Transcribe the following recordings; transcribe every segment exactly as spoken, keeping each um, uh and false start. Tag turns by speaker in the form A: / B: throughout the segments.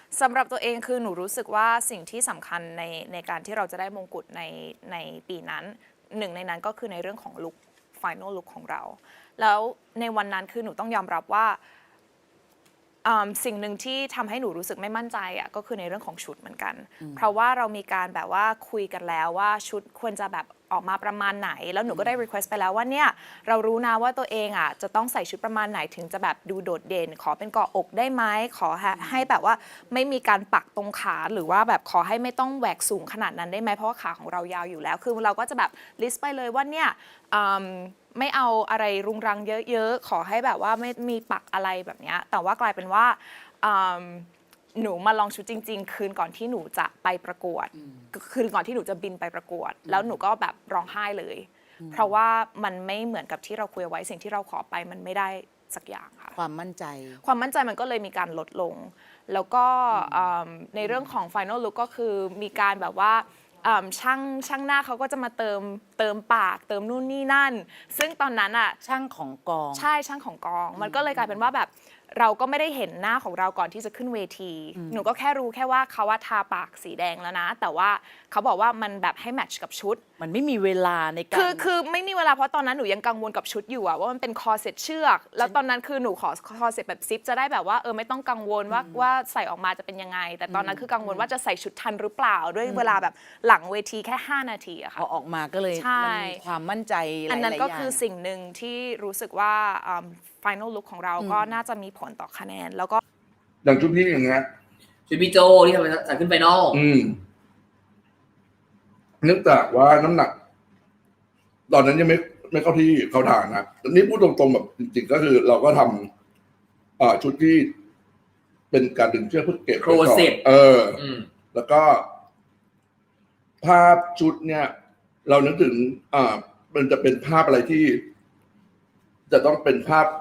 A: สำหรับตัวเองคือหนูรู้สึกว่าสิ่งที่สำคัญในในการที่เราจะได้มงกุฎในในปีนั้นหนึ่งในนั้นก็คือในเรื่องของลุค final look ของเราแล้วในวันนั้นคือหนูต้องยอมรับว่าสิ่งหนึ่งที่ทำให้หนูรู้สึกไม่มั่นใจอ่ะก็คือในเรื่องของชุดเหมือนกันเพราะว่าเรามีการแบบว่าคุยกันแล้วว่าชุดควรจะแบบออกมาประมาณไหนแล้วหนูก็ได้ request ไปแล้วว่าเนี่ยเรารู้นะว่าตัวเองอ่ะจะต้องใส่ชุดประมาณไหนถึงจะแบบดูโดดเด่นขอเป็นเกาะอกได้ไหมขอให้แบบว่าไม่มีการปักตรงขาหรือว่าแบบขอให้ไม่ต้องแหวกสูงขนาดนั้นได้ไหมเพราะว่าขาของเรายาวอยู่แล้วคือเราก็จะแบบ list ไปเลยว่าเนี่ยไม่เอาอะไรรุงรังเยอะๆขอให้แบบว่าไม่มีปักอะไรแบบนี้แต่ว่ากลายเป็นว่าหนูมาลองชุดจริงๆคืนก่อนที่หนูจะไปประกวดคืนก่อนที่หนูจะบินไปประกวดแล้วหนูก็แบบร้องไห้เลยเพราะว่ามันไม่เหมือนกับที่เราคุยไว้สิ่งที่เราขอไปมันไม่ได้สักอย่างค่ะ
B: ความมั่นใจ
A: ความมั่นใจมันก็เลยมีการลดลงแล้วก็ในเรื่องของ final look ก็คือมีการแบบว่าช่างช่างหน้าเขาก็จะมาเติมเติมปากเติมนู่นนี่นั่นซึ่งตอนนั้นอ่ะ
B: ช่างของกอง
A: ใช่ช่างของกองมันก็เลยกลายเป็นว่าแบบเราก็ไม่ได้เห็นหน้าของเราก่อนที่จะขึ้นเวทีหนูก็แค่รู้แค่ว่าเขาว่าทาปากสีแดงแล้วนะแต่ว่าเขาบอกว่ามันแบบให้แมทช์กับชุด
B: มันไม่มีเวลาในการ
A: คือคือไม่มีเวลาเพราะตอนนั้นหนูยังกังวลกับชุดอยู่อะว่ามันเป็นคอเซ็ตเชือกแล้วตอนนั้นคือหนูขอคอเซ็ตแบบซิปจะได้แบบว่าเออไม่ต้องกังวลว่าว่าใส่ออกมาจะเป็นยังไงแต่ตอนนั้นคือกังวลว่าจะใส่ชุดทันหรือเปล่าด้วยเวลาแบบหลังเวทีแค่ห้านาทีอะค่ะ
B: พอออกมาก็เลยมันมีความมั่นใจหลายๆอย่าง
A: อันนั้นก็คือสิ่งหนึ่งที่รู้สึกว่า final look ของเราก็น่าจะมีผลต่อคะแนนแล้วก็
C: อย่างชุดพี่อย่างเงี้ย
D: ชุดพี่โจที่ทำใส่ขึ้นไฟนอล
C: อืมเนื่องจากว่าน้ำหนักตอนนั้นยังไม่ไม่เข้าที่เขาทางนะแต่นี่พูดตรงๆแบบจริงๆก็คือเราก็ทำอ่าชุดที่เป็นการดึงเชือกเพื่อเก็บ
D: โครเซ็ต
C: เออแล้วก็ภาพชุดเนี่ยเรานึกถึงอ่ามันจะเป็นภาพอะไรที่ จะต้องเป็นภาพ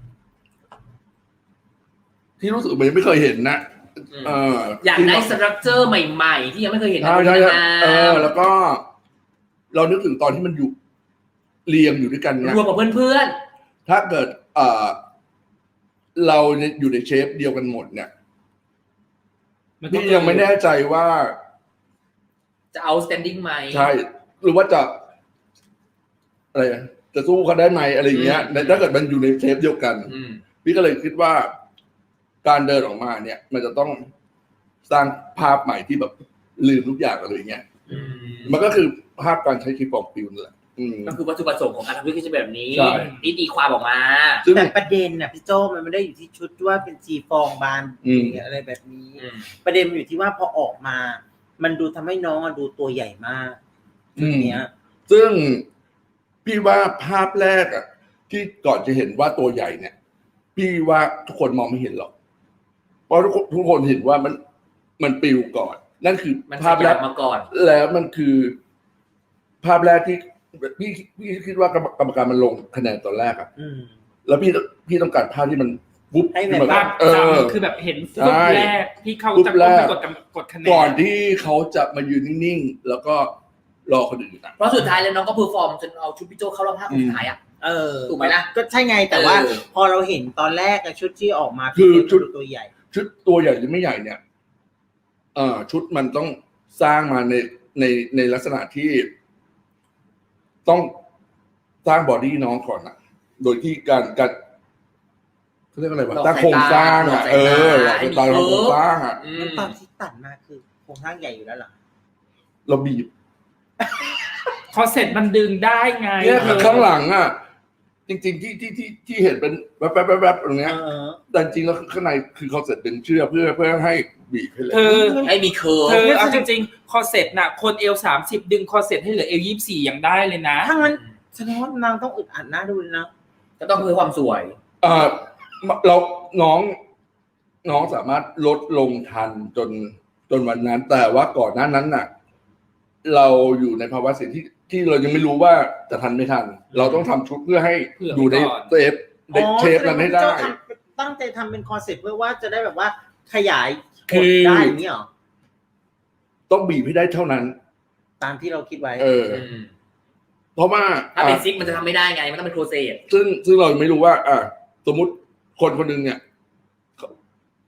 C: ที่รู้สึกมันยังไม่เคยเห็นนะ
D: เอออยากได้สตรัคเจอร์ใหม่ๆที่ยังไม่เคยเห็น
C: ใช่ใช่เออแล้วก็เรานึกถึงตอนที่มันอยู่เรียงอยู่ด้วยกันเนี่ย
D: รวมกับเพื่อน
C: ๆถ้าเกิดเอ่อเราอยู่ในเชฟเดียวกันหมดเนี่ยพี่ยังไม่แน่ใจว่า
D: จะเอา standing ไหม
C: ใช่หรือว่าจะอะไรจะสู้เขาได้ไหมอะไรอย่างเงี้ยถ้าเกิดมันอยู่ในเชฟเดียวกันพี่ก็เลยคิดว่าการเดินออกมาเนี่ยมันจะต้องสร้างภาพใหม่ที่แบบลืมทุกอย่างอะไรอย่างเงี้ยมันก็คือภาพการใช้คลิปของปิวนั่นแหละ
D: ก็คือวัตถุประสงค์ของการทำธุรกิจแบบนี้นี่ตีความออกมา
E: แต่ประเด็นน่ะพี่โจมันไม่ได้อยู่ที่ชุดว่าเป็นจีฟองบานอะไรแบบนี้ประเด็นอยู่ที่ว่าพอออกมามันดูทำให้น้องดูตัวใหญ่มาก
C: อย่างเงี้ยซึ่งพี่ว่าภาพแรกอ่ะที่ก่อนจะเห็นว่าตัวใหญ่เนี่ยพี่ว่าทุกคนมองไม่เห็นหรอกเพราะทุกทุกคนเห็นว่ามันมันปิวก่อนนั่นคือภาพแรก
D: มาก่อน
C: แล้วมันคือภาพแรกที่พี่พี่คิดว่ากรรมการมันลงคะแนนตอนแรกอ่ะแล้วพี่พี่ต้องการภาพที่มัน
E: ปุ๊บให้แบบว่า
F: เออคือแบบเห็นฟุตแรกที่เขาจะไปกดกดคะแนน
C: ก่อนที่เขาจะมายืนนิ่งๆแล้วก็รอคนอื่น
D: เพราะสุดท้ายแล้วน้องก็เพอร์ฟอร์มจนเอาชุดพี่โจเข้ารอบห้าคนสุดท้ายอ่ะ
E: เออ
D: ถูกไหมล่ะ
E: ก็ใช่ไงแต่ว่าพอเราเห็นตอนแรกชุดที่ออกมา
C: คือชุด
E: ตัวใหญ่
C: ชุดตัวใหญ่หรือไม่ใหญ่เนี่ยเอ่อชุดมันต้องสร้างมาในในในลักษณะที่ต้องสร้างบอดี้น้องก่อนนะโดยที่การการเขาเรียกอะไรวะตั้งโครงสร้างอ่ะเออหลักตาโครงสร้างอ่ะ
E: ตอนที่ตัดมาคือโครงสร้างใหญ่อยู่แล้วหรอ
C: เราบีบ
F: คอเซ็ตมันดึงได้ไง
C: เนี่ยข้างหลังอ่ะจริงๆที่ที่ที่ที่เห็นเป็นแวบแวบแวบตรงเนี้ยแต่จริงแล้วข้างในคือคอเซ็ตเป็นเชือกเพื่อเพื่อให้บีบให้เลย
D: ให้มีเคิร์ฟ
F: เธอเอาจริงๆคอเซ็ตน่ะคนเอวสามสิบดึงคอเซ็ตให้เหลือเอวยี่สิบสี่ยังได้เลยนะ
E: ถ้างั้นแสดงว่านางต้องอึดอัดหน้าดูเลยนะ
D: ก็ต้องเพื่อความสวย
C: เออเราน้องน้องสามารถลดลงทันจนจนวันนั้นแต่ว่าก่อนหน้านั้นน่ะเราอยู่ในภาวะเสี่ยงที่ที่เรายังไม่รู้ว่าจะทันไม่ทันเราต้องทำชุดเพื่อให้อยู่ในเซฟในเชฟนั้นให้ได้
E: ตั้งใจทำเป็นคอนเซ็ปต์เพื่อว่าจะได้แบบว่าขยายคือได้อย่างนี้หรอ
C: ต้องบีบให้ได้เท่านั้น
E: ตามที่เราคิดไว้
C: เออเพราะว่า
D: ถ้าเป็นซิกมันจะทำไม่ได้ไงมันต้องเป็นโคเซต
C: ซึ่งซึ่งเราไม่รู้ว่าอ่ะสมมุติคนคนนึงเนี่ยจะ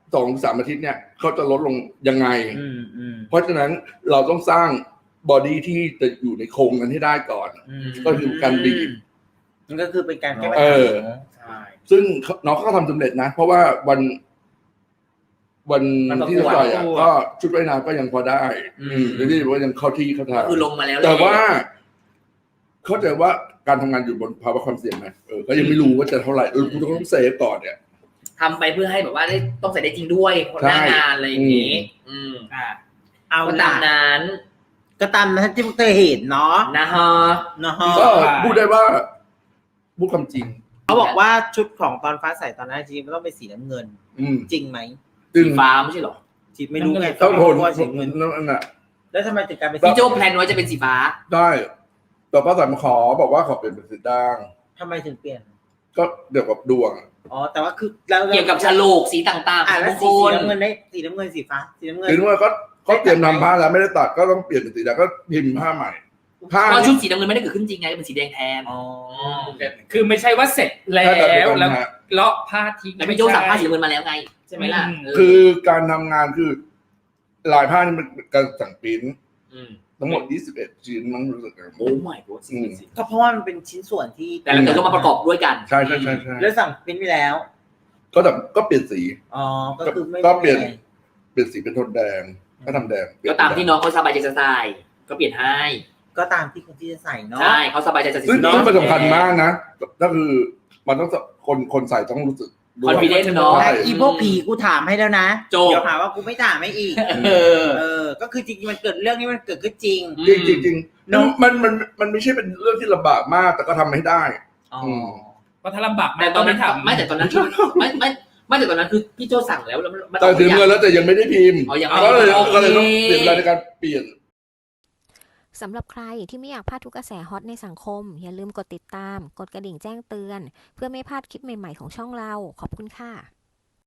C: สองสามอาทิตย์เนี่ยเขาจะลดลงยังไง
E: อืมอืม
C: เพราะฉะนั้นเราต้องสร้างบอดี้ที่จะอยู่ในโครงนั้นให้ได้ก่อน
E: อืม
C: ก็คือการบีบ
E: มันก็คือเป็นการแก้ปัญ
C: เอ
E: หา
C: อ
F: ใช่
C: ซึ่งน้องเขาก็ทำสำเร็จนะ เพราะว่าวันวัน
D: มันประกวด
C: ที่จะต่อยอ่ะก็ชุดว่ายน้ำก็ยังพอได้
E: อืม
C: อืมหรือที่ว่ายังเข้าที่เข้าทาง
D: คือลงมาแล้ว
C: แต่ว่า เข้าใจว่าการทำงานอยู่บนภาวะความเสี่ยงไหมเออก็ยังไม่รู้ว่าจะเท่าไหร่เออกูต้องเซฟก่อนเนี่ย
D: ทำไปเพื่อให้แบบว่าได้ต้องใส่ได้จริงด้วยคนหน้างานอะไรอย่างนี้ อืม
F: อ่า
E: เอา
D: ก็
E: ล่ะ
D: ตามนั้น
E: ก็ตามนั้นที่พวกเธอเห็นเนาะ
D: นะฮะ
E: เนาะฮะ
C: ก็พูดได้ว่าพูดความจริง
E: เขาบอกว่าชุดของตอนฟ้าใสตอนนั้นจริงๆมันต้องเป็นสีน้ำเงิน
C: อืม
E: จริงไหม
C: ซึ่ง
D: สีฟ้าไม่ใช่เหรอ
E: จีไม่รู้ไง
C: ต้องทน
E: ว่าสีเงิน
C: นั่นน่ะ
E: แล้วทำไมถึงกลายเป็น
D: พี่
E: สี
D: โจแพลนไว้จะเป็นสีฟ้า
C: ได้แต่ป้าสายมาขอบอกว่าขอเปลี่ยนเป็นสีด่าง
E: ทำไมถึงเปลี่ยน
C: ก็เกี่ยวกับดวง
E: อ๋อแต่ว่าคือแล้ว
D: เกี่ยวกับฉลกสีต่างๆ
E: อ่า
D: ข
E: แล้
D: อ
E: ว
D: ง
E: สี
D: คน
E: น้ำเงินได้สีน้ำเงินสีฟ้าสีน้ำเงิน
C: ถึงว่าก็ก็เตรียมทำผ้าแล้วไม่ได้ตัดก็ต้องเปลี่ยนเป็นสีด่างก็พิมพ์ผ้าใหม่ผ้า
D: เพราะชุดสีน้ำเงินไม่ได้เกิดขึ้นจริงไงเป็นสีแดงแทน
E: อ๋อ
F: คือไม่ใช่ว่าเสร็จแล้
C: ถ้าเกิดเป็น
F: ว
C: ปัญ
F: แล้ว
C: หา
F: เลาะผ้าทิ้ง
D: แล้วพี่โจสั่งผ้าสีน้ำเงินมาแล้วไงใช่ไหมล่ะเ
C: คือการทำงานคือลายผ้านี่มันการสั่งปริ้นท์
D: ม
C: ทั้งหมดยี่สิบเอ็ดชิ้นมั้งรู้สึก
D: โอ้ไม่โหสิ
C: อืม
E: ก็เพราะว่ามันเป็นชิ้นส่วนที่
D: แต่ละเธอก็มาประกอบด้วยกัน
C: ใช่ใช่ใช่ใช่
E: แล้วสั่งเป็นไปแล้ว
C: ก็แต่ก็เปลี่ยนสี
E: อ๋อก็คือไม่
C: ก็เปลี่ยน
E: ไม่
C: เปลี่ยนสีเป็นโทนแดงก็ทำแดงเปลี่ย
D: ก็
C: น
D: ตามที่น้องเขาสบายใจจะใส่ก็เปลี่ยนให้
E: ก็ตามที่คนที่จะใส่เนาะ
D: ใช่เขาสบายใจจะใส่
C: ซึ่ง
D: สี
C: ซึ่งมันสำคัญมากนะก็คือมันต้องคนคนใส่ต้องรู้สึกด้วย
D: confident เนาะ
C: ใช่
E: อีพวกผีกูถามให้แล้วนะ
D: จบ
E: เดี๋ยวหาว่ากูไม่ถามให้อีก
D: เออ
E: เออ ก็คือจริงๆมันเกิดเรื่องนี้มันเกิดขึ้นจริง
C: จริงจริงจริง
E: เนอะ
C: มันมันมันไม่ใช่เป็นเรื่องที่ลำบากมาก แต่ก็ทำให้ได้
E: อ๋อ
C: อืม
F: เพราะถ้าลำบาก
D: แต่ตอนนั้น
F: ไม่ทำ
D: ไม่แต่ตอนนั้นไม่ไม่ไม่แต่ตอนนั้นคือพี่โจสั่งแล้วแล้วมัน
C: แต่ถึงเงินแล้วแต่ยังไม่ได้พิมพ์
D: อ๋อยัง
C: ก็เลย
D: โอเค
C: ก็เลยต้องเปลี่ยนเวลาในการเปลี่ยน
G: สำหรับใครที่ไม่อยากพลาดทุกกระแสฮอตในสังคม อย่าลืมกดติดตาม กดกระดิ่งแจ้งเตือน เพื่อไม่พลาดคลิปใหม่ๆของช่องเรา ขอบคุณค่ะ